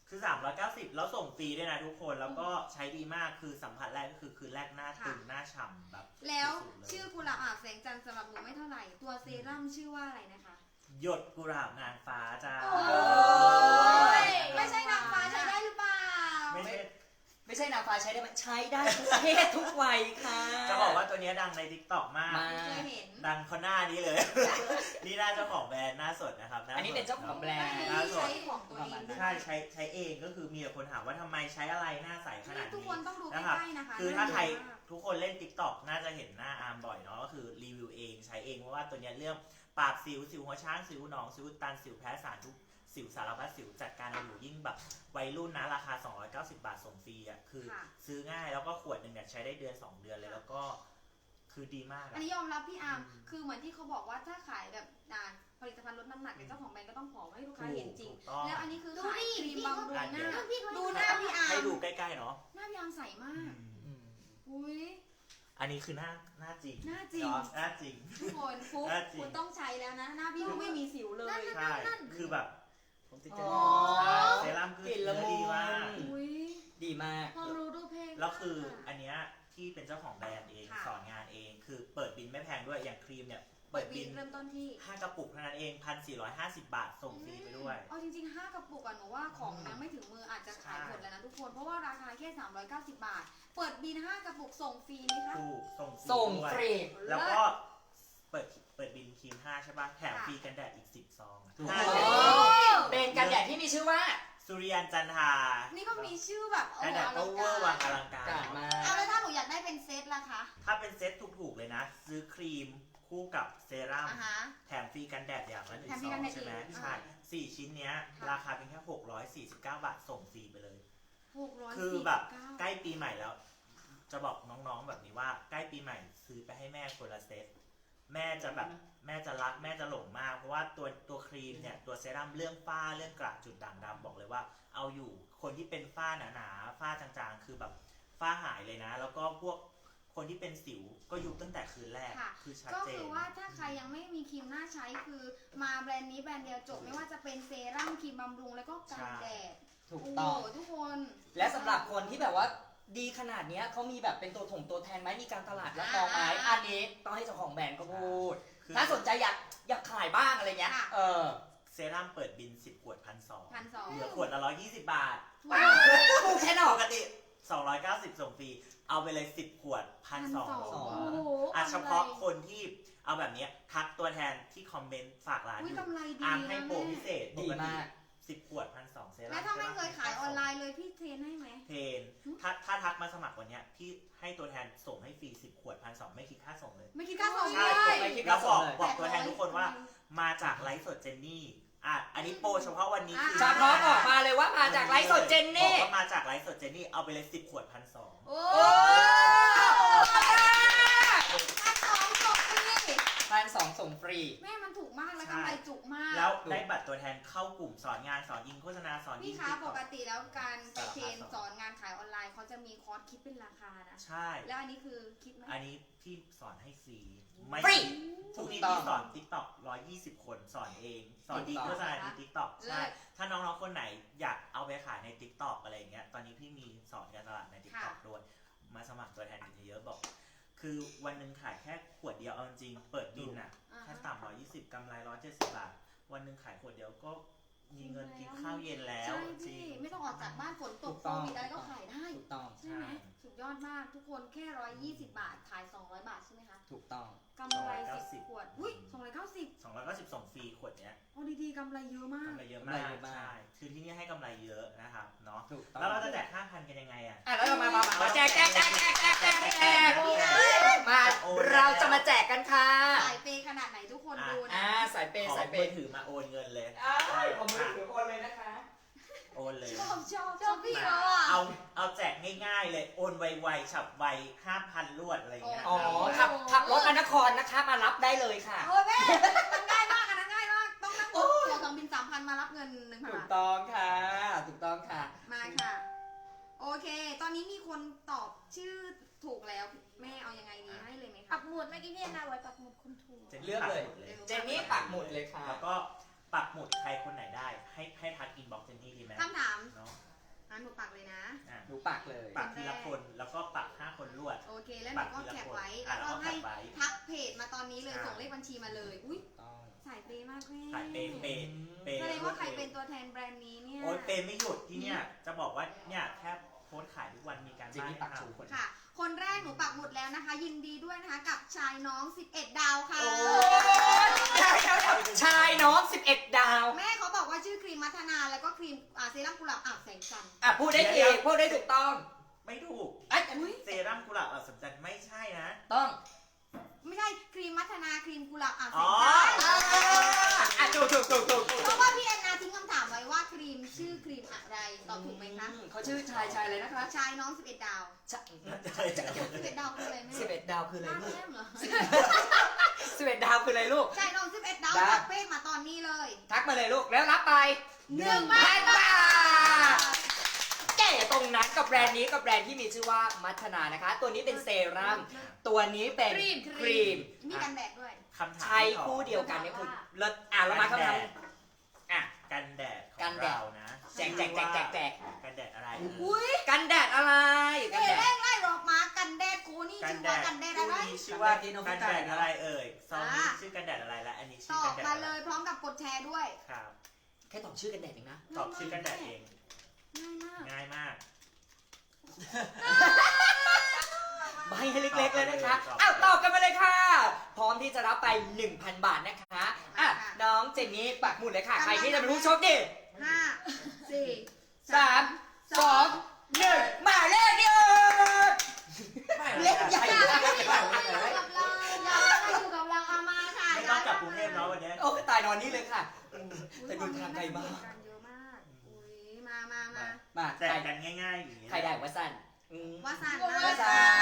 Speaker 7: คือ390แล้วส่งฟรีด้วยนะทุกคนแล้วก็ใช้ดีมากคือสัมผัสแรกก็คือคืนแรกหน้าตึงหน้าฉ่ำแบบ
Speaker 1: แล้ว
Speaker 7: สุดๆเลย
Speaker 1: ชื่อกุหลาบอาบแสงจันทร์สำหรับหนูไม่เท่าไหร่ ตัวเซรั่มชื่อว่าอะไรนะคะ
Speaker 7: หยดกุหลาบนางฟ้าจ้า
Speaker 1: โอ้ยไม่ใช่นางฟ้าใช้ได้หรือเปล่า
Speaker 7: ไม่ใช่
Speaker 6: ไม่ใช่นางฟ้าใช้ได้ไหมใช้ได้ทุกเพศทุกวัยค่ะ
Speaker 7: จะบอกว่าตัวเนี้ยดังใน TikTok มาก
Speaker 6: มา
Speaker 1: เคยเห็น
Speaker 7: ดังคนหน้านี้เลย นี่หน้าเจ้าของแบรนด์หน้าสดนะครับหาสด
Speaker 6: อันนี้เป็นเจ้าของแบรนด์
Speaker 1: ไม่ได้ใช้ของตัวเองด้วย
Speaker 7: ใช้เองก็คือมีแต่คนถามว่าทำไมใช้อะไรหน้าใสขนาด
Speaker 1: ทุก
Speaker 7: นี้
Speaker 1: คนต้องดูใก
Speaker 7: นะครับ
Speaker 1: ล้ๆนะคะ
Speaker 7: คือถ้าใคร
Speaker 1: น่ดูมาก
Speaker 7: ทุกคนเล่น TikTok น่าจะเห็นหน้าอาร์มบ่อยเนาะก็คือรีวิวเองใช้เองเพราะว่าตัวเนี้ยเรื่องปราบสิวหัวช้างสิวหนองสิวอุดตันสิวแพ้สารทุกสิวสารพัดสิวจัดการเอาอยู่ยิ่งแบบวัยรุ่นนะราคา 290 บาทส่งฟรีอ่ะคือ
Speaker 1: ค่ะ
Speaker 7: ซื้อง่ายแล้วก็ขวดหนึ่งเนี่ยใช้ได้เดือน 2 เดือนเลยแล้วก็คือดีมาก
Speaker 1: อั
Speaker 7: อะ
Speaker 1: นนี้ยอมรับพี่อาร์มคือเหมือนที่เขาบอกว่าถ้าขายแบบผลิตภัณฑ์ลดน้ำหนักเนี่ยเจ้าของแบรนด์ก็ต้องผอมให้ลูกค้าเห็นจริง
Speaker 7: ถูกต้อง
Speaker 1: แล้วอันนี้คือ
Speaker 3: ดู
Speaker 1: ขาย
Speaker 3: ดิ
Speaker 1: ครีม
Speaker 3: พี่
Speaker 1: บำรุงหน้า
Speaker 3: พี่เขา
Speaker 1: ดูหน้าพี่อาร์
Speaker 7: ให้
Speaker 1: ม
Speaker 7: ดูใกล้ๆเนาะ
Speaker 1: หน้าพี่อาร์มใสมาก
Speaker 6: อืม
Speaker 1: อุ้ย
Speaker 7: อันนี้คือหน้าจริง
Speaker 1: หน้าจริง
Speaker 7: เนาะหน้าจริง
Speaker 1: ทุกคนฟุ๊ก
Speaker 7: หน้าจริง
Speaker 1: คุณต้องใช้แล้วนะ หน้าพี่ก็ไม่มีสิวเลย
Speaker 7: ใช่คือแบบ
Speaker 6: ผมติด
Speaker 1: อ๋
Speaker 6: ใจ
Speaker 1: อ
Speaker 7: เซรั่มคือก
Speaker 6: ลิ่น
Speaker 7: เนื้
Speaker 6: ละ
Speaker 7: อ
Speaker 6: มุน
Speaker 7: ดีมาก
Speaker 1: อุ้ย
Speaker 6: ดีมาก
Speaker 1: ความรู้ดูเพลง
Speaker 7: แล้วคือ
Speaker 1: มาก
Speaker 7: อันเนี้ยที่เป็นเจ้าของแบรนด์เอง
Speaker 1: ค่ะ
Speaker 7: สอนงานเองคือเปิดบินไม่แพงด้วยอย่างครีมเนี่ย
Speaker 1: เปิ
Speaker 7: เปิ
Speaker 1: ด
Speaker 7: ด
Speaker 1: บิ
Speaker 7: บิ
Speaker 1: น
Speaker 7: น
Speaker 1: เริ่มต้นที่
Speaker 7: 5 กระปุกเท่านั้นเอง 1,450 บาทส่งฟรีไปด้วย
Speaker 1: เอาจริงๆ 5 กระปุกอะหนูว่าของยังไม่ถึงมืออาจจะขายหมดแล้วนะทุกคน เพราะว่าราคาแค่ 390 บาท เปิดบิน 5 กระปุกส่งฟรีไหมคะ
Speaker 7: ถูกส่ง
Speaker 6: ส่ง
Speaker 7: ด้วย
Speaker 6: ฟรี
Speaker 7: แล้วก็เปิดบินครีม 5 ใช่ป่ะแถม
Speaker 1: ค่ะ
Speaker 7: ฟรีกันแดดอีก 10 ซองอะ
Speaker 6: ถูก
Speaker 7: ห้า
Speaker 6: โอ้
Speaker 7: แถม
Speaker 6: เป็นกันแดดที่มีชื่อว่า
Speaker 7: สุริยันจันทรา
Speaker 1: นี่ก็มีชื่อแบบโอ้
Speaker 7: กัน
Speaker 1: โห
Speaker 7: แดด
Speaker 1: อ
Speaker 7: ก็
Speaker 1: ลัง
Speaker 7: เวอร์วังอ
Speaker 1: การ
Speaker 7: ลังการ
Speaker 6: กาดมา
Speaker 1: เอาแล้วถ้าหนูอยากได้เป็นเซตล่ะคะ
Speaker 7: ถ้าเป็นเซ็ตถูกๆเลยนะ ซื้อครีมคู่กับเซรั่ม
Speaker 1: อ่าฮะ
Speaker 7: แถมฟรีกันแดดอย่างละ1
Speaker 1: แถมฟ
Speaker 7: ซ
Speaker 1: รี
Speaker 7: อ
Speaker 1: กัน
Speaker 7: ง
Speaker 1: แดด
Speaker 7: ใช่ไหม
Speaker 1: อีก
Speaker 7: ใช่4 ชิ้นเนี้ย
Speaker 1: ค่ะ
Speaker 7: ราคาเพียงแค่649 บาทส่งฟรีไปเลย
Speaker 1: 649
Speaker 7: คือแบบใกล้ปีใหม่แล้ว จะบอกน้องๆแบบนี้ว่าใกล้ปีใหม่ซื้อไปให้แม่คนละเซตแม่จะแบบแม่จะรักแม่จะหลงมาก เพราะว่าตัวครีมเนี่ยตัวเซรั่มเรื่องฝ้าเรื่องกระจุดด่างดำบอกเลยว่า เอาอยู่คนที่เป็นฝ้าหนาๆฝ้าจางๆ คือแบบฝ้าหายเลยนะ แล้วก็พวกคนที่เป็นสิวก็ยุบตั้งแต่คืนแรก
Speaker 1: ค่ะ
Speaker 7: คือชัด
Speaker 1: ก็
Speaker 7: เจ
Speaker 1: คื
Speaker 7: น
Speaker 1: อว่าถ้าใครยังไม่มีครีมหน้าใช้คือมาแบรนด์นี้แบรนด์เดียวจบไม่ว่าจะเป็นเซรั่มครีมบำรุงแล้วก็กันแดด
Speaker 6: ถูกต้อง
Speaker 1: โทุกคน
Speaker 6: และสำหรับคนที่แบบว่าดีขนาดเนี้ยเขามีแบบเป็นตัวแทนไหมมีการตลาดรับรองไหมอันนี้ต้องให้เจ้าของแบรนด์เขาพูด
Speaker 7: คือ
Speaker 6: ถ้าสนใจอยากขายบ้างอะไรเงี้ย
Speaker 1: ค่ะ
Speaker 6: เออ
Speaker 7: เซรั่มเปิดบิน10 ขวด 1,200
Speaker 1: 1,200
Speaker 7: เหลือขวดละ120 บาท
Speaker 6: ถูกแค่นอ
Speaker 7: ป
Speaker 6: ก
Speaker 7: กติ 290 ส่งฟรี เอาไปเลย 10 ขวด 1,200
Speaker 1: โอ้โห
Speaker 7: อ่ะเฉพาะคนที่เอาแบบเนี้ยทักตัวแทนที่คอมเมนต์ฝากร้าน
Speaker 1: อุ้
Speaker 7: อย ยู่
Speaker 1: กำไรดี
Speaker 7: อาร์ม
Speaker 1: นะ
Speaker 7: ให้โปรพิเศษ
Speaker 6: ดีมาก
Speaker 7: 10 ขวด 1,200 เซรั่ม
Speaker 1: แล้วถ้าไม่เคยขายออนไลน์เลยพี่เทรนให้ไหม
Speaker 7: เพนถ้าทักมาสมัครวันเนี้ยพี่ให้ตัวแทนส่งให้ฟรี 10 ขวด 1,200 ไม่คิดค่าส่งเลย
Speaker 1: ไม่คิดค่าส่ง
Speaker 7: ใช่
Speaker 1: เลย
Speaker 6: ไม่คิด
Speaker 7: แล้วบอก
Speaker 6: เลย
Speaker 7: บอกตัวแทนทุกคนว่ามาจากไลฟ์สดเจนนี่อ่ะอันนี้โปรเฉพาะวันนี้คือ
Speaker 6: เฉพาะออกมาเลยว่ามาจากไลฟ์สดเจน
Speaker 7: บอ
Speaker 6: นี่
Speaker 7: กว่ามาจากไลฟ์สดเจนนี่เอาไปเลย10 ขวด 1,200
Speaker 1: โอ้
Speaker 6: โอ้
Speaker 1: 1,200จบฟรี
Speaker 6: 1,200ส่งฟรี
Speaker 1: แม่มันถูกมากแล้วกำไรจุกมาก
Speaker 7: แล้วได้บัตรตัวแทนเข้ากลุ่มสอนงานสอนยิงโฆษณาสอนยิ
Speaker 1: พี่
Speaker 7: ง
Speaker 1: คะ
Speaker 7: TikTok
Speaker 1: ปกติแล้วการไปเทรน
Speaker 7: สารพัด
Speaker 1: สอนงานขายออนไลน์เขาจะมีคอร์สคิดเป็นราคานะ
Speaker 7: ใช่
Speaker 1: แล้วอันนี้คือคิดไหม
Speaker 7: อันนี้พี่สอนให้ฟรีไม่
Speaker 6: ฟรี
Speaker 7: พรุ่งนี้
Speaker 6: ถูกต้อง
Speaker 7: พี่สอน TikTok 120 คนสอนเอง สอนดี
Speaker 6: ถูกต้อง
Speaker 7: โฆษณาดี TikTok
Speaker 1: เลิ
Speaker 7: ใช่
Speaker 1: ศ
Speaker 7: ถ้าน้องๆคนไหนอยากเอาไปขายใน TikTok อะไรอย่างเงี้ยตอนนี้พี่มีสอนการตลาดใน TikTok ด้วยมาสมัครตัวแทนกันเยอะๆบอก คือวันหนึ่งขายแค่ขวดเดียวเอาจริงๆเปิดบินอ่ะ
Speaker 1: อ่า
Speaker 7: แค่ต่ำ120กำไร170 บาท วันหนึ่งขายขวดเดียวก็มีเงินกินข้าวเย็นแล้ว
Speaker 1: ใช่
Speaker 7: จริ
Speaker 1: พี่
Speaker 7: ง
Speaker 1: ไม่ต้องออกจากบ้านฝนต
Speaker 6: ถู
Speaker 1: ก
Speaker 6: ก
Speaker 1: โค
Speaker 6: ต้อง
Speaker 1: วิดอะไรก็ขายได้
Speaker 6: ถูกต้อง
Speaker 1: ใช่ไหม
Speaker 7: ใช่
Speaker 1: สุดยอดมากทุกคนแค่120 บาทขาย200 บาทใช่ไหมคะ
Speaker 6: ถูกต้อง
Speaker 1: กำไร10
Speaker 7: 290
Speaker 1: ขวดอุ้ย290
Speaker 7: 290ส่งฟรีขวดเนี้ย
Speaker 1: โอ้ดีๆกำไรเยอะมาก
Speaker 7: กำไรเยอะ
Speaker 6: กำไร
Speaker 7: มาก
Speaker 6: เยอะมาก
Speaker 7: ใช่คือที่นี่ให้กำไรเยอะนะครับเนาะ
Speaker 6: ถูกต้อง
Speaker 7: แล้วเราจะแจก 5,000 กันยังไงอ่ะ
Speaker 6: อ่ะแล้วเรามาแจกมา
Speaker 7: โอนแล้ว
Speaker 6: เราจะมาแจกกันค่ะ
Speaker 1: สายเปย์ขนาดไหนทุกคนดูนะ
Speaker 6: สายเปย์
Speaker 7: ขอ
Speaker 6: สายเป
Speaker 7: มือ
Speaker 6: ย์
Speaker 7: ถือมาโอนเงินเลย
Speaker 6: ผมมือถือโอนเลยนะคะ
Speaker 7: โอนเลย
Speaker 1: ชอบพี่เหรอ
Speaker 7: เอาแจกง่ายๆเลยโอนไวๆฉับไว 5,000 รวดอะไรอย่างเงี้ย
Speaker 6: อ๋อขับรถอนครนะคะมารับได้เลยค่ะ
Speaker 1: โอ้ยแม่มันง่ายมากอันนั้นง่ายมาก ต้องนั่งตั๋วเครื่องบิน 3,000 มารับเงิน 1,000
Speaker 6: ถูก
Speaker 1: บาท
Speaker 6: ต้องค่ะ ถูกต้องค่ะ
Speaker 1: มาค่ะ โอเค ตอนนี้มีคนตอบชื่อถูกแล้ว แม่เอายังไงดีให้เลยไหม
Speaker 3: ปั
Speaker 1: คะ
Speaker 3: กหมุดเมื่อกี้พี่แอนนาไว้ปักหมุดคุณถูก
Speaker 7: จนนี่
Speaker 6: เลือกเลย
Speaker 7: ปัหมุด
Speaker 6: เจนนี่ปักหมุดเลยค่ะ
Speaker 7: แล้วก็ปักหมุดใครคนไหนได้ ให้ทักอินบ็อกซ์เจนนี่ดีไหม
Speaker 1: คำถาม
Speaker 7: เนาะ
Speaker 1: หนูปักเลยนะ
Speaker 7: อ่ะ
Speaker 6: หนูปักเลย
Speaker 7: ปักทีละคนแล้วก็ปัก5 คนรวด
Speaker 1: โอเคแล้วหนูก็แคปไว้
Speaker 7: อ่ะ
Speaker 1: แล้วก็
Speaker 7: แล้วก็
Speaker 1: ให้
Speaker 7: แคปไว้
Speaker 1: ทักเพจมาตอนนี้เลย
Speaker 7: ใช่
Speaker 1: ส่งเลขบัญชีมาเลย อุ้ย
Speaker 6: ต้อง
Speaker 1: สายเปย์มากแม่
Speaker 7: ขายเปย์เปย์เปย์
Speaker 1: แสดงว่าใครเป็นตัวแทนแบรนด์นี้เนี่ย
Speaker 7: โอ้ยเปย์ไม่หยุดที่เนี่ยจะบอกว่าเนี่ยแค่โพสต์ขายทุกวันมีการ
Speaker 6: เจน
Speaker 7: บ้าน
Speaker 6: นี่
Speaker 7: ให้
Speaker 6: ปัก
Speaker 7: ท
Speaker 6: ถูกคน
Speaker 1: ค่ะ คนแรกหนูปักหมุดแล้วนะคะ ยินดีด้วยนะคะกับชายน้อง 11 ดาวค่ะ
Speaker 6: โอ้ยชายน้อง11 ดาว
Speaker 1: แม่เขาบอกว่าชื่อครีมมัทนาแล้วก็ครีมเซรั่มกุหลาบอ่าวแสงจันทร์
Speaker 6: อ่ะพูดได้ถูกพูดได้ถูกต้อง
Speaker 7: ำไม่ถูก
Speaker 6: อ่ะ
Speaker 7: เซรั่มกุหลาบอัศจรรย์ไม่ใช่นะ
Speaker 6: ต้อง
Speaker 1: ไม่ใช่ครีมมัทนาครีมกุหลาบอ่าวแส
Speaker 7: อ๋
Speaker 1: ง
Speaker 7: อ
Speaker 1: จันทร์
Speaker 6: อ่ะถูก
Speaker 1: เพราะว่าพี่แอนนาทิ้งคำถามไว้ว่าครีมชื่อครีมอะไรตอบถูกไหมคะ
Speaker 6: เขาชื่อชายเลยนะคะ
Speaker 1: ชายน้อง 11 ดาว 11 ดาวคืออะไรแม่
Speaker 6: 11 ดาวคืออะไร
Speaker 1: ห้า
Speaker 6: ลูก
Speaker 1: แต้มเหรอ
Speaker 6: 11 ดาวคืออะไรลูก
Speaker 1: ชายน้อง 11 ดาว
Speaker 6: ได้
Speaker 1: ทักเพจมาตอนนี้เลย
Speaker 6: ทักมาเลยลูกแล้วรับไป
Speaker 1: 1,000
Speaker 6: บาทเก๋ตรงนั้นกับแบรนด์นี้กับแบรนด์ที่มีชื่อว่ามัทนานะคะ ตัวนี้เป็นเซรั่มตัวนี้เป็น
Speaker 1: ครีม
Speaker 6: ม
Speaker 1: มีกันแดดด้วย
Speaker 7: คำถาม
Speaker 6: ใช้
Speaker 7: ที่สอง
Speaker 6: คู่เดียวกันเนี่ยคือเลิศอ่ะเรามาคำถามอ่ะ
Speaker 7: กันแดดข
Speaker 6: กั
Speaker 7: อน ง
Speaker 6: แดด
Speaker 7: เรานะ
Speaker 6: แจก
Speaker 7: กันแดดอะไร
Speaker 1: อุ้ย
Speaker 6: กันแดดอะไร
Speaker 1: เอ๋แรกไล่รอกมากันแดดกูนี่
Speaker 7: กัน
Speaker 1: ชื่อ
Speaker 7: แด
Speaker 1: ว่า
Speaker 7: ด
Speaker 1: กันแดดอะไร
Speaker 7: คู่นี้ชื่อว่า
Speaker 2: กันแดดที่น้อง
Speaker 7: กัน
Speaker 2: พี่
Speaker 7: แด
Speaker 2: จ่าย
Speaker 7: ด
Speaker 2: นะ
Speaker 7: อะไรเอ่ยซองนี้
Speaker 1: อ่า
Speaker 7: ชื่อกันแดดอะไรและอันนี้
Speaker 1: ต
Speaker 7: ชื่อ
Speaker 1: อ
Speaker 7: กับ นแดด
Speaker 1: มา
Speaker 7: อะไร
Speaker 1: เลยพร้อมกับกดแชร์ด้วย
Speaker 7: ครับ
Speaker 6: แค่ตอบชื่อกันแดดเองนะ
Speaker 7: ตอบชื่อกันแดดเอง
Speaker 1: ง่ายมาก
Speaker 7: ง่ายมาก
Speaker 6: ใบให้เล็กๆเลยนะคะ
Speaker 7: ตอบเลย
Speaker 6: อ้าวตอบกันมาเลยค่ะ พร้อมที่จะรับไป 1,000 บาทนะคะอ่ะน้องเจนนี่ปักหมุดเลยค่ะ ใครที่จะเป็นผู้โชคดี
Speaker 1: 5 4
Speaker 6: 3 2 1 มาเลขเดียวเล็กใหญ่
Speaker 1: อยากให้อยู่กับเราอยากให้อยู่กับเราเอามาค่ะ
Speaker 7: ไม่ต้องกลับกรุงเทพแล้ววันนี้
Speaker 6: โอ้ตายนอนนี่เลยค่ะแต่ดูทางไกลมาก
Speaker 1: เยอะมากอุ้ยมา
Speaker 6: มา
Speaker 7: แจกกันง่ายๆอย่างนี้
Speaker 6: ใครได้วะสัน
Speaker 1: ว่าสัน
Speaker 6: วาสัน